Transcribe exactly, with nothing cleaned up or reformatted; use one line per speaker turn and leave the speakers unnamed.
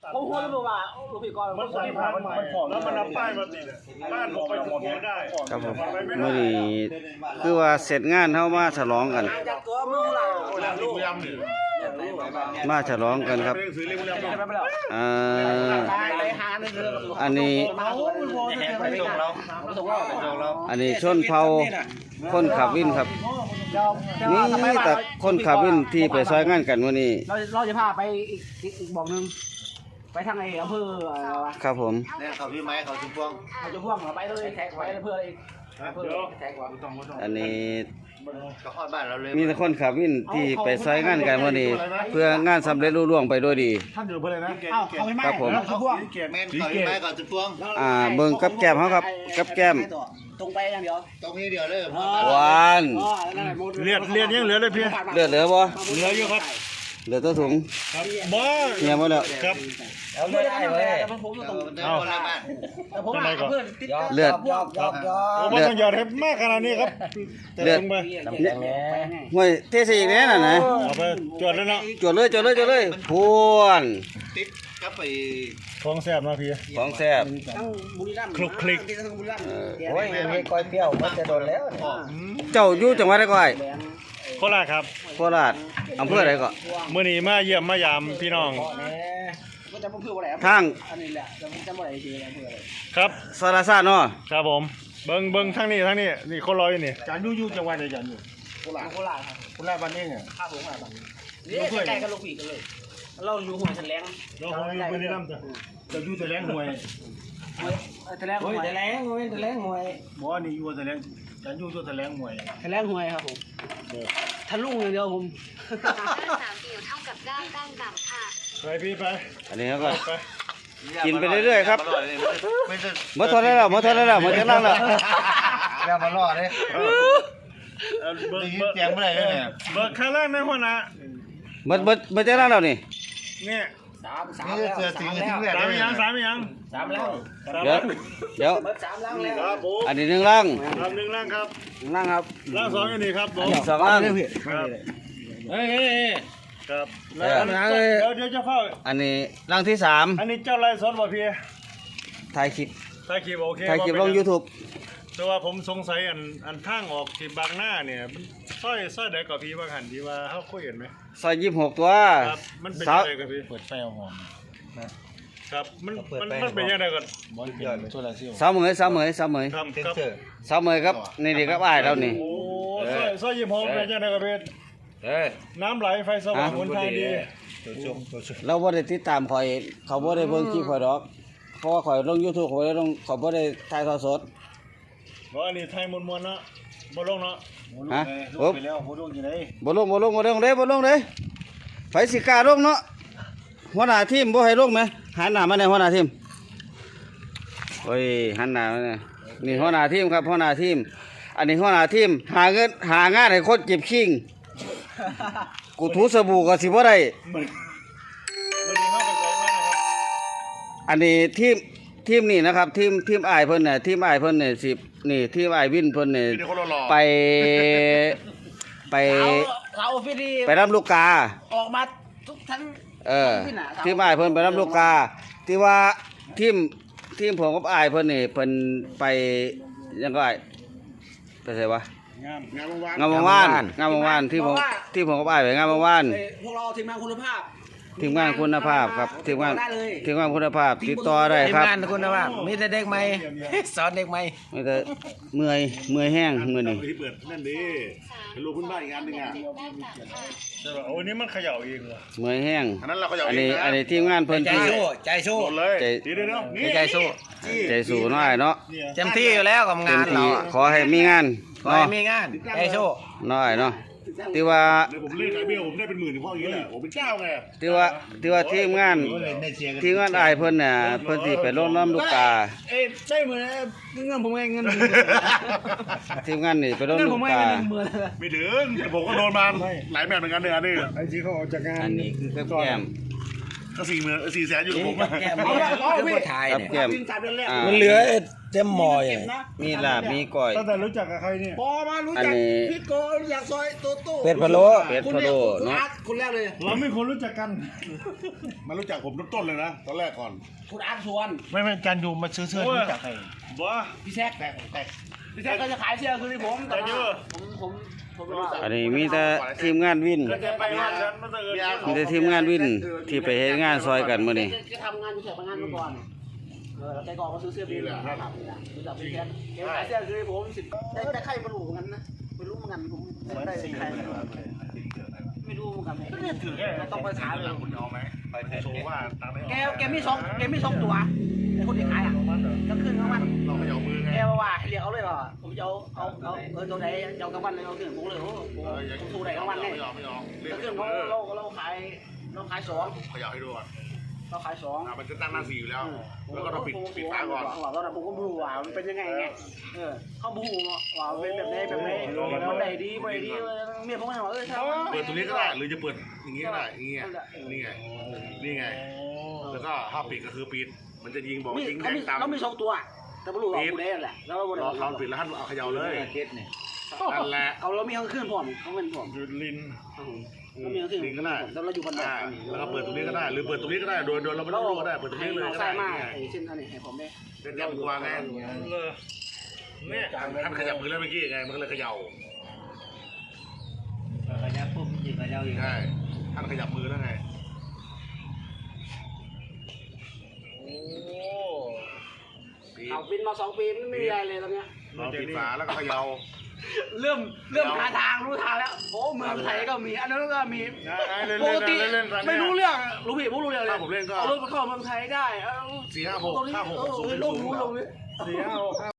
ผมพูดแล้วบอกว่าลูกพี่กรมันใส่ผ้าใหม่แล้วมันเอาป้ายมาติดบ้านผมไปหมดไม่ได้
ครับผมมื้อนี้คือว่าเสร็จงานเฮามาฉลองกันมาฉลองกันครับอ่าอันนี้อันนี้ชนเผ่าคนขับวินครับนี่แต่คนขับวินที่ไปซอยงานกันมื้อนี้
เราเราจะพาไปอีกอีกบอกนึงไปทางไอ้อำเภออะไรวะ
ครับผม
เนี่ยเขาพี่ไม้เขาจุ่มพวง
เขาจุ่มพวงไปเลยแท็กไว้เพื่ออะไรเพื่อแท็กว่า
อันนี้
ก็ฮอดบ้านเราเลย
มีแต่คนขับวินที่ไปซอยงานกันมื้อนี้เพื่องานสำเร็จรุ่ล่วงไปด้วยดี
ท่านอยู่เพื่ออะไรนะเอ้าเขาไม่
ครับผม
แม่นเขาพี่ไม้เขาจุ่มพวง
อ่าเบิ่งกับแก้มเฮาครับกับแก้ม
ตรงไปอย่างเดียว
ตรงนี้เดียวเลย
หวาน
เลือดเลือดยังเหลือเลยพี่
เลือดเหลือบ่
เหลืออยู่ครับ
เหลือตัวถุง
ครับบ่
เหี่ยวหมดแล้ว
ครับ
เอาเลือดได้เลยเอา
เลือด
ยอกยอกยอก
เลือด
ต้องหยอดให้มากขนาดนี้ครับ
เลือดห้วยเทใส่อีกแน่น่ะนะ
เอาไปจวดเลยเนาะ
จวดเลยจวดเลยจวดเลยพวน
ติดกับไป
ของแซ่บนะพี่
ของแซ่บ
คลุกคลิก
โอ้ยมีก้อยเปรี้ยวมันจะโดนแล้ว
เจ้าอยู่จังหวัดใดก่อย
โคราชครับ
โคราชอำเภอใดก็
มื้อนี้มาเยี่ยมมายามพี่น้อง
ทาง
ครับ
สารสารเนาะ
ครับผมเบิ่งเบิ่งทางนี้ทางนี้นี่คนรออยู่นี่จานอยู่อยู่จังหวัดใดจานอยู่โคราชโคราชครับโคราชบ้านเองอ่ะข้าวโคราชบ้านนี่ใกล้ๆกันลูกพี่กันเลยเราอยู่ห้วยทะแลงเราอยู่ไปในน้ำจ้ะจะอยู่ทะแลงห้วยทะแลงห้วยทะแลงห้วยทะแลงห้วยบ่นี่อยู่ทะแลงจานอยู่อยู่ทะแลงห้วยทะแลงห้วยครับผมทะลุอย่างเดียวผม
สามเดียวเท่ากับด้านด้านดำค่ะ
ไปพี่ไป
อันนี้ก็กินไปเรื่อยๆครับเมื่อทอดแล้วเมื่อทอดแล้วเมื่อจะนั่งแล้ว
แล้วมาล่อเลยเบิกเสียงเมื่อไหร่เนี่ย
เบิกข้างล่างในหัวหน้า
เมื่อเมื่อเมื่อจะนั่งแล้วนี่
เนี่ย
สามสามแล้วสามแล้ว
สามยังสามยัง
สามแล้ว
เดี๋ยวเดี๋ยว
สามล่างแล้ว
อันนี้หนึ่งล่าง
ครับหนึ่งล่างครับ
ล่างครับ
ล่างสองอันนี้ครับผม
สองล่าง
ครับ
เฮ้ย
ครับแล้วเดี๋ยวเดี๋ยวจะเข้า
อันนี้ล่างที่สาม
อันนี้เจ้าไรสดบ่พี่
ถ่ายคลิป
ถ่ายคลิปโอเค
ถ่ายคลิปลง YouTube
แต่ว่าผมสงสัยอันอันทางออกที่บางหน้าเนี่ยสร้อยสร้อยใดกับพี่บางหันที่ว่าเขาคุยกันไหม
ซอยยี่สิบหกตัว
ครับมันเป็นยังไงกับพี่
เปิดไฟหอม
ครับมันมันมันเป็นยังไงกัน
สามเหมยสามเหมยสามเหมย
ครับ
สามเหมยครับนี่ดีครับอ้ายแล้วนี่
โอ้สร้อยสร้อยยี่สิบหกเป็นยังไงกับพี่น้ำไหลไฟสว่างหนทางดี
เราบ่ได้ติดตามข่อยเขาบ่ได้เบิ่งคลิปข่อยดอกเพราะว่าข่อยลง YouTube ข่อยลงข่อยบ่ได้ถ่ายทอดสด
บ่อันนี้ไทยมวนๆเนาะบ่ลงเนาะ
ฮะ
บ่ไปแล้วบ่ลงอยู่ไหน
บ่ลงบ่ลงบ่ลงเด้บ่ลงเด้ไผสิกล้าลงเนาะหัวหน้าทีมบ่ให้ลงแหมหันหน้ามาในหัวหน้าทีมโอ้ยหันหน้ามานี่นี่หัวหน้าทีมครับหัวหน้าทีมอันนี้หัวหน้าทีมหาเงินหางานให้คนเก็บขิงกูถูสบู่ก็สิบ่ได้อันนี้ทีมทีมนี่นะครับทีมทีมอ้ายเพิ่นน่ะทีมอ้ายเพิ่นเนี่ยสินี่ทีมอ้ายวินเพิ่นเนี่ยไปไปไปรับลูกกา
ออกมาทุกทั้ง
เออทีมอ้ายเพิ่นไปรับลูกกาที่ว่าทีมทีมผมกับอ้ายเพิ่นนี่เพิ่นไปยังก็อ้ายไปไสวะ
งามงามวาน
งามวานงามวานที่ผมที่ผมกับอ้ายไปงามวาน
พวกเราทีมงานคุณภาพ
ทีมงานคุณภาพครับทีมงานทีมงานคุณภาพติดต่อได้ครับ
ทีมงานคุณภาพมีแต่เด็กใหม่สอนเด็กใหม่
มีแต่เมื่อยเมื่อยแห้งมื้อนี้
ที่เปิดนั่นดิลูกคุณบ้านอีกอันนึงอ่ะโอ้นี่มันเขย่าเองเหรอ
เมื่อยแห้ง
อันนั้นเราเขย่าเอง
อันนี้อันนี้ทีมงานเพิ่นที่
ใจสู้ใจสู้
เลยดีเนาะ
ใจสู้
ใจสู้น้อยเนาะ
เต็มที่อยู่แล้วกับงานเรา
ขอให้มีงาน
ขอให้มีงานใจสู้
น้อยเนาะที่ว่า
ผมเล่นไอเบลผมได้เป็นหมื่นเพราะอย่างนี้แหละผมเป็นเจ้าไง
ที่ว่าที่ว่าทีมงานทีมงานอ้ายเพิ่นน่ะเพิ่นสิไปลงน้ำลูกกา
เอ้ใช่เหมือนเงินผมเองเงิน
ทีมงานนี่ไปลงลูกกา
ไม่ถึงผมก็โดนมาหลายแบบเหมือนกันเนี่ยอันนี้ไอ้ที่เขาออกจากงาน
อันนี้คือแก้ม
ก็สี่หมื่นสี่แสนอยู่กับผม
แก้มเนี่ยคือบ่ถ่าย
กับ
เนี่ย
แก้มอ่า
มันเหลือเต็มหม้ออย่าง
มีลาบมีก้อย
ตั้งแต่รู้จักกับใครเนี่ย
พอมารู้
อัน
จัก
นี้
พี่โกอยากซอยโตโต้
เป็ดพะโล้
เป็ดพะโล้เนาะ
คนแรกเลย
เราไม่ควรรู้จักกัน
มารู้จักผมต้นๆเลยนะตอนแรกก่อน
คุณอาร์ตชวน
ไม่ไม่จานยูมาซื้อเสื้อรู้จักใครบ่
พี่แซกแต่แต่พี่แซกก็จะขายเสื้อคือที่ผมแต่ว่าผมผมผมว่า
อันนี้มีแต่ทีมงานวิน
ก็จะไปงานฉันมาเจอ
มีแต่ทีมงานวินที่ไปเฮ็ดงานซอยกันมื้อนี้
จะทำงานอยู่แถวงานมาก่อนเออแต่ก่อนมาซื้อเสื้อพี่เลยครับรู้จักพี่แซกแกขายเสื้อคือที่ผมสิบแต่แต่ใครมารู้เหมือนกันนะไม่รู้เหมือนกันผมไม่ได้ใครไม่รู้เหมือนกันก็เนี่ยถือเราต้องไปถามเลย
คุณเอาไหมไปโชว์ว่าตามไม่ออก
แกแกมีสองแกมีสองตัวไอ้คนที่ขายอ่ะก็ขึ้นกลางวัน
เราไม่เอามือไง
แกบอกว่าให้เรียกเอาเลยว่าผมจะเอาเอาเอาเออตัวไหนจะเอากลางวันเลยเอาขึ้นผมเลยโอ้ผมสู้ไหนกลางวันเนี่ย
ไม่ยอมไม่ยอมเรีย
ก็
ก
ขึ้นเพราะเราเราขายเราขายสอง
ขยับให้ดูก่อน
เราขายสอง
อ่ะมันจะตั้งหน้าสี่อยู่แล้ว แล้วก็เราปิดปิดฝาก่อน
ว่าตอนนั้นผมก็ไม่รู้ว่ามันเป็นยังไงไงเออเขาบูว่าเป็นแบบไหนแบบไหนมันได้ดีไม่ดีเมียผมก็บอกเออถ้า
เปิดตรงนี้ก็ได้หรือจะเปิดอย่างนี้ก็ได้อย่างนี้ไงนี่ไงนี่ไงแล้วก็ถ้าปิดก็คือปิดมันจะยิงบอก
มี
ยิงแด
เขา
ง
มี
ตาม
เรามีสองตัวแต่ไม่รู้ว่ากูได้แหละแล้วเรา
รอเขาปิดแล้วท่านเอาเขย่าเลย
เคสเนี่ย
นั่นแหละ
เอาเรามีข้างขึ้นผมเขาเป็นผม
ยูลิน
เรามีข้างขึ้น
ลิงก็ได้
แล้วเราอยู่บนดอ
อ่าก แล้วก็เปิดตรงนี้ก็ได้ หรือเปิดตรงนี้ก็ได้โดยโดยเราไม่ต้องรู้ก็ได้เปิดตรงนี้เลยก็
ใส่
ได้
มากไอ้เส้นอันนี้ให้ผมได้
เป็นยำกวางไง
เนี่ย
ท่านขยับมือแล้วเมื่อกี้ไงมันก็เลยเขย่า
ระยะปุ๊บยิงระยะอีก
ใช่ท่านขยับมือแล้วไง
โอ้
ปิด
เอาบินมาสองปีไม่มีอะไรเลยตอนเนี้ย
เราปิดฝาแล้วก็เขย่า
เริ่มเริ่มหาทางรู้ทางแล้วโอ้เมืองไทยก็มีอันนั้นก็มีปกติไม่รู้เรื่องรู้ผิดไม่รู้เรื่องเลย
ถ้าผมเล่นก็
เอารถมาเข้าเมืองไทยได้เอา
สี่ห้าหกห้าหกหกศูนย์
ลงรู้ลงนี้
สี่ห้าหกห้า